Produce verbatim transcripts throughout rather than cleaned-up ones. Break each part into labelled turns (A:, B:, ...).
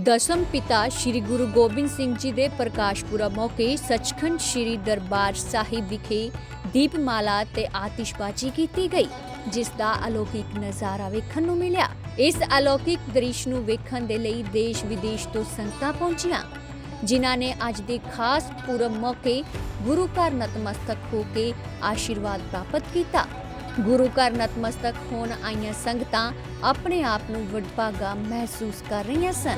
A: ਦਸਮ ਪਿਤਾ ਸ਼੍ਰੀ ਗੁਰੂ ਗੋਬਿੰਦ ਸਿੰਘ ਜੀ ਦੇ ਪ੍ਰਕਾਸ਼ ਪੁਰਬ ਮੌਕੇ ਸੱਚਖੰਡ ਸ਼੍ਰੀ ਦਰਬਾਰ ਸਾਹਿਬ ਵਿਖੇ ਦੀਪਮਾਲਾ ਤੇ ਆਤਿਸ਼ਬਾਜ਼ੀ ਕੀਤੀ ਗਈ, ਜਿਸ ਦਾ ਅਲੌਕਿਕ ਨਜ਼ਾਰਾ ਵੇਖਣ ਨੂੰ ਮਿਲਿਆ। ਇਸ ਅਲੌਕਿਕ ਦ੍ਰਿਸ਼ ਨੂੰ ਵੇਖਣ ਦੇ ਲਈ ਦੇਸ਼ ਵਿਦੇਸ਼ ਤੋਂ ਸੰਗਤਾਂ ਪਹੁੰਚੀਆਂ, ਜਿਨ੍ਹਾਂ ਨੇ ਅੱਜ ਦੇ ਖਾਸ ਪੁਰਬ ਮੌਕੇ ਗੁਰੂ ਘਰ ਨਤਮਸਤਕ ਹੋ ਕੇ ਆਸ਼ੀਰਵਾਦ ਪ੍ਰਾਪਤ ਕੀਤਾ। ਗੁਰੂ ਘਰ ਨਤਮਸਤਕ ਹੋਣ ਆਈਆਂ ਸੰਗਤਾਂ ਆਪਣੇ ਆਪ ਨੂੰ ਵਡਭਾਗਾ ਮਹਿਸੂਸ ਕਰ ਰਹੀਆਂ ਸਨ।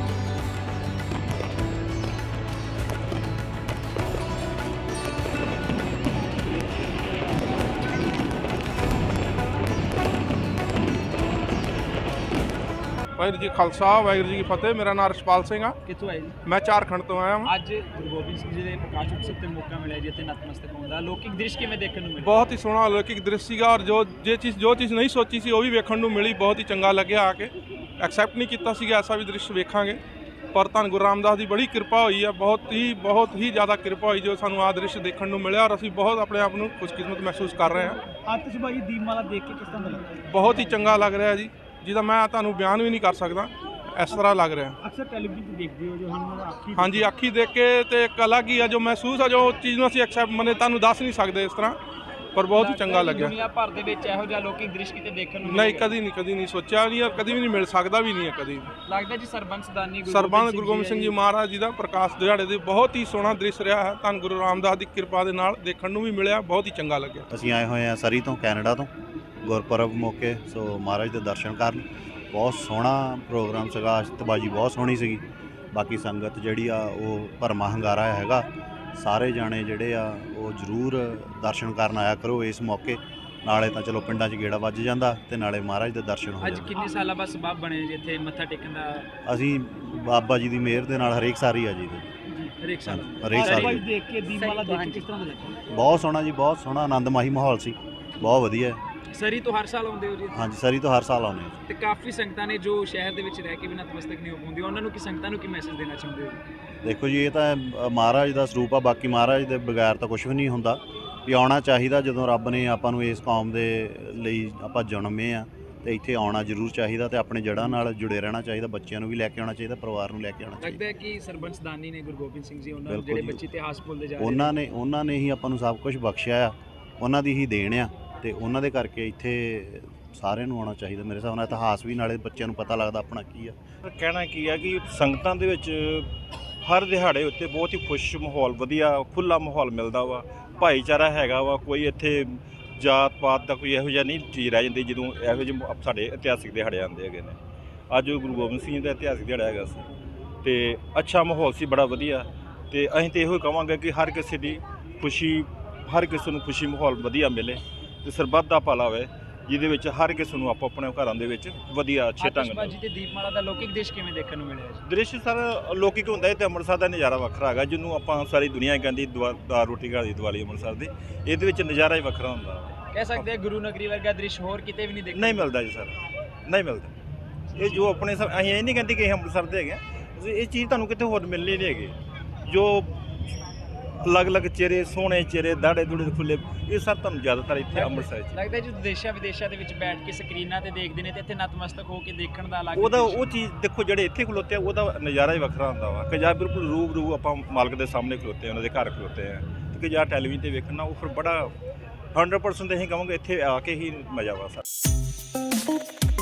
B: ਵਾਹਿਗੁਰੂ ਜੀ ਖਾਲਸਾ ਵਾਹਿਗੁਰੂ ਜੀ ਕੀ ਫਤਿਹ। ਮੇਰਾ ਨਾਮ ਰਸ਼ਪਾਲ ਸਿੰਘ ਆ।
C: ਕਿੱਥੋਂ ਆਏ ਜੀ?
B: ਮੈਂ ਝਾਰਖੰਡ ਤੋਂ ਆਇਆ ਹਾਂ।
C: ਅੱਜ ਗੁਰੂ ਗੋਬਿੰਦ ਸਿੰਘ ਜੀ ਦੇ ਪ੍ਰਕਾਸ਼ ਉਤਸਵ ਤੇ ਮੌਕਾ ਮਿਲਿਆ ਜੀ ਇੱਥੇ ਨਤਮਸਤਕ ਹੋਣ ਦਾ। ਲੌਕਿਕ ਦ੍ਰਿਸ਼ ਕਿਵੇਂ ਦੇਖਣ ਨੂੰ ਮਿਲਿਆ?
B: ਬਹੁਤ ਹੀ ਸੋਹਣਾ ਅਲੌਕਿਕ ਦ੍ਰਿਸ਼ ਸੀਗਾ, ਔਰ ਜੋ ਜੇ ਚੀਜ਼ ਜੋ ਚੀਜ਼ ਨਹੀਂ ਸੋਚੀ ਸੀ ਉਹ ਵੀ ਵੇਖਣ ਨੂੰ ਮਿਲੀ। ਬਹੁਤ ਹੀ ਚੰਗਾ ਲੱਗਿਆ ਆ ਕੇ। ਐਕਸੈਪਟ ਨਹੀਂ ਕੀਤਾ ਸੀਗਾ ਐਸਾ ਵੀ ਦ੍ਰਿਸ਼ ਵੇਖਾਂਗੇ, ਪਰ ਧੰਨ ਗੁਰੂ ਰਾਮਦਾਸ ਦੀ ਬੜੀ ਕਿਰਪਾ ਹੋਈ ਆ। ਬਹੁਤ ਹੀ ਬਹੁਤ ਹੀ ਜ਼ਿਆਦਾ ਕਿਰਪਾ ਹੋਈ ਜੋ ਸਾਨੂੰ ਆਹ ਦ੍ਰਿਸ਼ ਦੇਖਣ ਨੂੰ ਮਿਲਿਆ, ਔਰ ਅਸੀਂ ਬਹੁਤ ਆਪਣੇ ਆਪ ਨੂੰ ਖੁਸ਼ਕਿਸਮਤ ਮਹਿਸੂਸ ਕਰ ਰਹੇ ਹਾਂ।
C: ਆਤਿਸ਼ਬਾਜ਼ੀ ਦੀਪਮਾਲਾ ਦੇਖ ਕੇ ਕਿਸ ਤਰ੍ਹਾਂ ਦਾ ਲੱਗਾ?
B: ਬਹੁਤ ਹੀ ਚੰਗਾ ਲੱਗ ਰਿਹਾ ਜੀ, ਜਿਹਦਾ ਮੈਂ ਤੁਹਾਨੂੰ ਬਿਆਨ ਵੀ ਨਹੀਂ ਕਰ ਸਕਦਾ, ਇਸ ਤਰ੍ਹਾਂ ਲੱਗ ਰਿਹਾ।
C: ਅਕਸਰ ਟੈਲੀਵਿਜ਼ਨ ਤੇ ਦੇਖਦੇ ਹੋ ਜੋ ਹੁਣ ਅੱਖੀ
B: ਹਾਂਜੀ, ਅੱਖੀ ਦੇਖ ਕੇ ਤੇ ਇੱਕ ਅਲੱਗ ਹੀ ਆ ਜੋ ਮਹਿਸੂਸ ਆ, ਜੋ ਚੀਜ਼ ਨੂੰ ਅਸੀਂ ਐਕਸੈਪਟ ਮਨੇ ਤੁਹਾਨੂੰ ਦੱਸ ਨਹੀਂ ਸਕਦੇ ਇਸ ਤਰ੍ਹਾਂ, ਪਰ ਬਹੁਤ ਹੀ ਚੰਗਾ ਲੱਗਿਆ।
C: ਦੁਨੀਆ ਭਰ ਦੇ ਵਿੱਚ ਇਹੋ ਜਿਹਾ ਲੌਕਿਕ ਦ੍ਰਿਸ਼ ਕਿਤੇ ਦੇਖਣ ਨੂੰ
B: ਨਹੀਂ, ਕਦੀ ਨਹੀਂ ਕਦੀ ਨਹੀਂ ਸੋਚਿਆ ਨਹੀਂ, ਔਰ ਕਦੀ ਵੀ ਨਹੀਂ ਮਿਲ ਸਕਦਾ ਵੀ ਨਹੀਂ ਹੈ ਕਦੀ।
C: ਲੱਗਦਾ ਜੀ ਸਰਬੰਸ ਦਾਨੀ
B: ਸਰਬੰਸ ਗੁਰੂ ਗੋਬਿੰਦ ਸਿੰਘ ਜੀ ਮਹਾਰਾਜ ਜੀ ਦਾ ਪ੍ਰਕਾਸ਼ ਦਿਹਾੜੇ ਦੇ ਬਹੁਤ ਹੀ ਸੋਹਣਾ ਦ੍ਰਿਸ਼ ਰਿਹਾ ਹੈ। ਧੰਨ ਗੁਰੂ ਰਾਮਦਾਸ ਦੀ ਕਿਰਪਾ ਦੇ ਨਾਲ ਦੇਖਣ ਨੂੰ ਵੀ ਮਿਲਿਆ, ਬਹੁਤ ਹੀ ਚੰਗਾ ਲੱਗਿਆ।
D: ਅਸੀਂ ਆਏ ਹੋਏ ਹਾਂ ਸਰੀ ਤੋਂ, ਕੈਨੇਡਾ ਤੋਂ, ਗੁਰਪੁਰਬ ਮੌਕੇ। ਸੋ ਮਹਾਰਾਜ ਦੇ ਦਰਸ਼ਨ ਕਰਨ ਬਹੁਤ ਸੋਹਣਾ ਪ੍ਰੋਗਰਾਮ ਸੀਗਾ। ਆਤਿਸ਼ਬਾਜ਼ੀ ਬਹੁਤ ਸੋਹਣੀ ਸੀਗੀ। ਬਾਕੀ ਸੰਗਤ ਜਿਹੜੀ ਆ ਉਹ ਭਰਮਾ ਹੰਗਾਰਾ ਹੈਗਾ। ਸਾਰੇ ਜਾਣੇ ਜਿਹੜੇ ਆ ਉਹ ਜ਼ਰੂਰ ਦਰਸ਼ਨ ਕਰਨ ਆਇਆ ਕਰੋ ਇਸ ਮੌਕੇ। ਨਾਲੇ ਤਾਂ ਚਲੋ ਪਿੰਡਾਂ 'ਚ ਗੇੜਾ ਵੱਜ ਜਾਂਦਾ ਤੇ ਨਾਲੇ ਮਹਾਰਾਜ ਦੇ ਦਰਸ਼ਨ ਹੋ ਜਾਂਦੇ।
C: ਅੱਜ ਕਿੰਨੇ ਸਾਲਾਂ ਬਾਅਦ ਸਬਬ ਬਣੇ ਜੀ ਇੱਥੇ ਮੱਥਾ ਟੇਕਣ ਦਾ?
D: ਅਸੀਂ ਬਾਬਾ ਜੀ ਦੀ ਮਿਹਰ ਦੇ ਨਾਲ ਹਰੇਕ ਸਾਲ ਹੀ ਆ ਜੀ।
C: ਹਰੇਕ ਸਾਲ
D: ਹਰੇਕ ਸਾਲ ਹੀ।
C: ਦੇਖ ਕੇ ਦੀਪਮਾਲਾ ਦੇਖ ਕੇ ਕਿਸ ਤਰ੍ਹਾਂ ਦਾ ਲੱਗਾ?
D: ਬਹੁਤ ਸੋਹਣਾ ਜੀ, ਬਹੁਤ ਸੋਹਣਾ ਆਨੰਦਮਈ ਮਾਹੌਲ ਸੀ, ਬਹੁਤ ਵਧੀਆ।
C: ਸਰੀ ਤੋਂ ਹਰ ਸਾਲ ਆਉਂਦੇ ਹੋ ਜੀ?
D: ਹਾਂਜੀ, ਸਰੀ ਤੋਂ ਹਰ ਸਾਲ ਆਉਂਦੇ ਹਾਂ।
C: ਤੇ ਕਾਫੀ ਸੰਗਤਾਂ ਨੇ ਜੋ ਸ਼ਹਿਰ ਦੇ ਵਿੱਚ ਰਹਿ ਕੇ ਵੀ ਨਤਮਸਤਕ ਨਹੀਂ ਹੋ ਪਾਉਂਦੀ, ਉਹਨਾਂ ਨੂੰ ਕੀ ਸੰਗਤਾਂ ਨੂੰ ਕੀ ਮੈਸੇਜ ਦੇਣਾ ਚਾਹੁੰਦੇ ਹੋ?
D: ਦੇਖੋ ਜੀ, ਇਹ ਤਾਂ ਮਹਾਰਾਜ ਦਾ ਸਰੂਪ ਆ। ਬਾਕੀ ਮਹਾਰਾਜ ਦੇ ਬਗੈਰ ਤਾਂ ਕੁਝ ਵੀ ਨਹੀਂ ਹੁੰਦਾ। ਵੀ ਆਉਣਾ ਚਾਹੀਦਾ, ਜਦੋਂ ਰੱਬ ਨੇ ਆਪਾਂ ਨੂੰ ਇਸ ਕੌਮ ਦੇ ਲਈ ਆਪਾਂ ਜਨਮੇ ਆ ਤੇ ਇੱਥੇ ਆਉਣਾ ਜ਼ਰੂਰ ਚਾਹੀਦਾ ਤੇ ਆਪਣੇ ਜੜ੍ਹਾਂ ਨਾਲ ਜੁੜੇ ਰਹਿਣਾ ਚਾਹੀਦਾ। ਬੱਚਿਆਂ ਨੂੰ ਵੀ ਲੈ ਕੇ ਆਉਣਾ ਚਾਹੀਦਾ, ਪਰਿਵਾਰ ਨੂੰ ਲੈ ਕੇ ਆਉਣਾ ਚਾਹੀਦਾ।
C: ਲੱਗਦਾ ਹੈ ਕਿ ਸਰਬੰਸ ਦਾਨੀ ਨੇ ਗੁਰੂ ਗੋਬਿੰਦ ਸਿੰਘ ਜੀ ਉਹਨਾਂ
D: ਬਿਲਕੁਲ
C: ਜਿਹੜੇ
D: ਜੀ।
C: ਬੱਚੇ ਇਤਿਹਾਸ ਭੁੱਲਦੇ ਜਾ ਰਹੇ
D: ਉਹਨਾਂ ਨੇ ਉਹਨਾਂ ਨੇ ਹੀ ਆਪਾਂ ਨੂੰ ਸਭ ਕੁਝ ਬਖਸ਼ਿਆ ਆ, ਉਹਨਾਂ ਦੀ ਹੀ ਦੇਣ ਆ ਤੇ ਉਹਨਾਂ ਦੇ ਕਰਕੇ ਇੱਥੇ ਸਾਰਿਆਂ ਨੂੰ ਆਉਣਾ ਚਾਹੀਦਾ। ਮੇਰੇ ਹਿਸਾਬ ਨਾਲ ਇਤਿਹਾਸ ਵੀ, ਨਾਲੇ ਬੱਚਿਆਂ ਨੂੰ ਪਤਾ ਲੱਗਦਾ ਆਪਣਾ ਕੀ ਆ।
E: ਕਹਿਣਾ ਕੀ ਆ ਕਿ ਸੰਗਤਾਂ ਦੇ ਵਿੱਚ ਹਰ ਦਿਹਾੜੇ ਉੱਤੇ ਬਹੁਤ ਹੀ ਖੁਸ਼ ਮਾਹੌਲ, ਵਧੀਆ ਖੁੱਲ੍ਹਾ ਮਾਹੌਲ ਮਿਲਦਾ ਵਾ। ਭਾਈਚਾਰਾ ਹੈਗਾ ਵਾ, ਕੋਈ ਇੱਥੇ ਜਾਤ ਪਾਤ ਦਾ ਕੋਈ ਇਹੋ ਜਿਹਾ ਨਹੀਂ ਚੀਜ਼ ਰਹਿ ਜਾਂਦੀ ਜਦੋਂ ਇਹੋ ਜਿਹੇ ਸਾਡੇ ਇਤਿਹਾਸਿਕ ਦਿਹਾੜੇ ਆਉਂਦੇ ਹੈਗੇ ਨੇ। ਅੱਜ ਗੁਰੂ ਗੋਬਿੰਦ ਸਿੰਘ ਜੀ ਦਾ ਇਤਿਹਾਸਿਕ ਦਿਹਾੜਾ ਹੈਗਾ ਸੀ ਤੇ ਅੱਛਾ ਮਾਹੌਲ ਸੀ, ਬੜਾ ਵਧੀਆ। ਤੇ ਅਸੀਂ ਤਾਂ ਇਹੋ ਕਹਾਂਗੇ ਕਿ ਹਰ ਕਿਸੇ ਦੀ ਖੁਸ਼ੀ, ਹਰ ਕਿਸੇ ਨੂੰ ਖੁਸ਼ੀ ਮਾਹੌਲ ਵਧੀਆ ਮਿਲੇ ਤੇ ਸਰਬੱਤ ਦਾ ਭਲਾ ਹੋਵੇ, ਜਿਹਦੇ ਵਿੱਚ ਹਰ ਕਿਸੇ ਨੂੰ ਆਪੋ ਆਪਣੇ ਘਰਾਂ ਦੇ ਵਿੱਚ ਵਧੀਆ ਅੱਛੇ ਢੰਗ ਨਾਲ।
C: ਆਤਿਸ਼ਬਾਜ਼ੀ ਤੇ ਦੀਪਮਾਲਾ ਦਾ ਲੌਕਿਕ ਦ੍ਰਿਸ਼ ਕਿਵੇਂ ਦੇਖਣ ਨੂੰ ਮਿਲਿਆ ਜੀ?
E: ਦ੍ਰਿਸ਼ ਸਰ ਲੌਕਿਕ ਹੁੰਦਾ ਹੈ ਤੇ ਅੰਮ੍ਰਿਤਸਰ ਦਾ ਨਜ਼ਾਰਾ ਵੱਖਰਾ ਹੈਗਾ, ਜਿਹਨੂੰ ਆਪਾਂ ਸਾਰੀ ਦੁਨੀਆ ਕਹਿੰਦੀ ਦਾਲ ਰੋਟੀ ਘਰ ਦੀ ਦੀਵਾਲੀ ਅੰਮ੍ਰਿਤਸਰ ਦੀ। ਇਹਦੇ ਵਿੱਚ ਨਜ਼ਾਰਾ ਹੀ ਵੱਖਰਾ ਹੁੰਦਾ।
C: ਕਹਿ ਸਕਦੇ ਆ ਗੁਰੂ ਨਗਰੀ ਵਰਗਾ ਦ੍ਰਿਸ਼ ਹੋਰ ਕਿਤੇ ਵੀ ਨਹੀਂ ਦੇਖਣ
E: ਨਹੀਂ ਮਿਲਦਾ ਜੀ ਸਰ, ਨਹੀਂ ਮਿਲਦਾ। ਇਹ ਜੋ ਆਪਣੇ ਸਭ, ਅਸੀਂ ਇਹ ਨਹੀਂ ਕਹਿੰਦੇ ਕਿ ਇਹ ਅੰਮ੍ਰਿਤਸਰ ਦੇ ਹੈਗੇ, ਇਹ ਚੀਜ਼ ਤੁਹਾਨੂੰ ਕਿਤੇ ਹੋਰ ਮਿਲਣੀ ਨਹੀਂ ਹੈਗੀ। ਜੋ ਅਲੱਗ-ਅਲੱਗ ਚਿਹਰੇ, ਸੋਹਣੇ ਚਿਹਰੇ, ਦਾੜੇ ਦੂੜੇ ਖੁੱਲੇ, ਇਹ ਸਭ ਤੁਹਾਨੂੰ ਜ਼ਿਆਦਾਤਰ ਇੱਥੇ ਅੰਮ੍ਰਿਤਸਰ 'ਚ
C: ਲੱਗਦਾ। ਜੋ ਦੇਸ਼ਾਂ ਵਿਦੇਸ਼ਾਂ ਦੇ ਵਿੱਚ ਬੈਠ ਕੇ ਸਕਰੀਨਾਂ ਤੇ ਦੇਖਦੇ ਨੇ ਤੇ ਇੱਥੇ ਨਤਮਸਤਕ ਹੋ ਕੇ ਦੇਖਣ ਦਾ ਅਲੱਗ
E: ਉਹਦਾ ਉਹ ਚੀਜ਼ ਦੇਖੋ, ਜਿਹੜੇ ਇੱਥੇ ਖਲੋਤੇ ਆ ਉਹਦਾ ਨਜ਼ਾਰਾ ਹੀ ਵੱਖਰਾ ਹੁੰਦਾ ਵਾ। ਕਿ ਜਾਂ ਬਿਲਕੁਲ ਰੂਬਰੂ ਆਪਾਂ ਮਾਲਕ ਦੇ ਸਾਹਮਣੇ ਖਲੋਤੇ ਆ, ਉਹਨਾਂ ਦੇ ਘਰ ਖਲੋਤੇ ਆ, ਕਿ ਜਾਂ ਟੈਲੀਵਿਜ਼ਨ ਤੇ ਵੇਖਣਾ ਉਹ ਫਿਰ ਬੜਾ ਹੰਡਰਡ ਪਰਸੈਂਟ ਅਸੀਂ ਕਹਾਂਗੇ ਇੱਥੇ ਆ ਕੇ ਹੀ ਮਜ਼ਾ ਵਾ ਸਰ।